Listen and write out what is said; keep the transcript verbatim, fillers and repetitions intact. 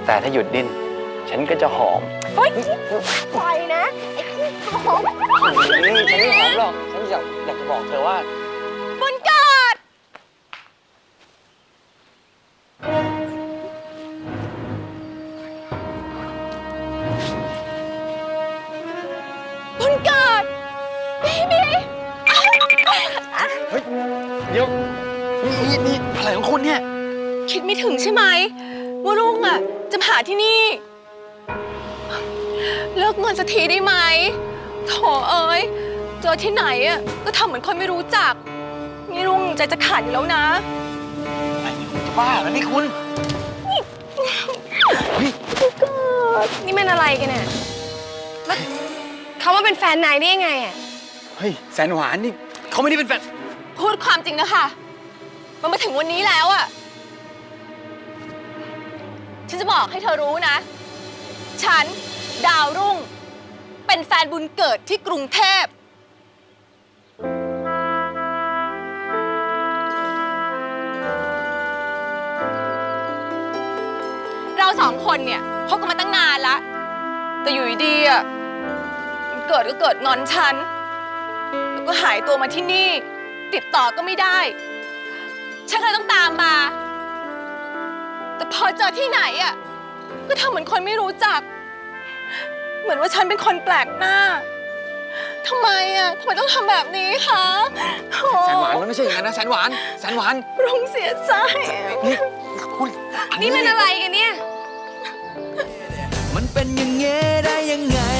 แต่ถ้าหยุดดิ้นฉันก็จะหอมเฮ้ยปล่อยนะไอ้ขี้หอมนี่ฉันไม่หอมหรอกฉันอยากอยากจะบอกเธอว่าบุญเกิดบุญเกิดบีบีเฮ้ยเดี๋ยวนี่นี่อะไรของคุณเนี่ยคิดไม่ถึงใช่ไหมว่าลุงอ่ะจะมาหาที่นี่ เลิกเงินสักทีได้ไหมโถเอ้ยเจอที่ไหนอ่ะก็ทำเหมือนคนไม่รู้จักนี่ลุงใจจะขาดอยู่แล้วนะไอ้นี่คุณจะบ้าแล้วนี่คุณนี่มันอะไรกันเนี่ยแล้วเขามาเป็นแฟนนายได้ยังไงอ่ะเฮ้ยแสนหวานนี่เขาไม่ได้เป็นแฟนพูดความจริงนะคะมันมาถึงวันนี้แล้วอ่ะฉันจะบอกให้เธอรู้นะฉันดาวรุ่งเป็นแฟนบุญเกิดที่กรุงเทพเราสองคนเนี่ยคบกันมาตั้งนานแล้วแต่อยู่ดีๆอ่ะบุญเกิดก็เกิดงอนฉันแล้วก็หายตัวมาที่นี่ติดต่อก็ไม่ได้ฉันก็เลยต้องตามมาแต่พอเจอที่ไหนอ่ะก็ทำเหมือนคนไม่รู้จักเหมือนว่าฉันเป็นคนแปลกหน้าทำไมอ่ะทำไมต้องทำแบบนี้คะแสนหวานมันไม่ใช่อย่างนั้นนะแสนหวานแสนหวานรุ่งเสียใจนี่คุณนี่มันอะไรกันเนี่ยมันเป็นอย่างเงี้ยได้ยังไง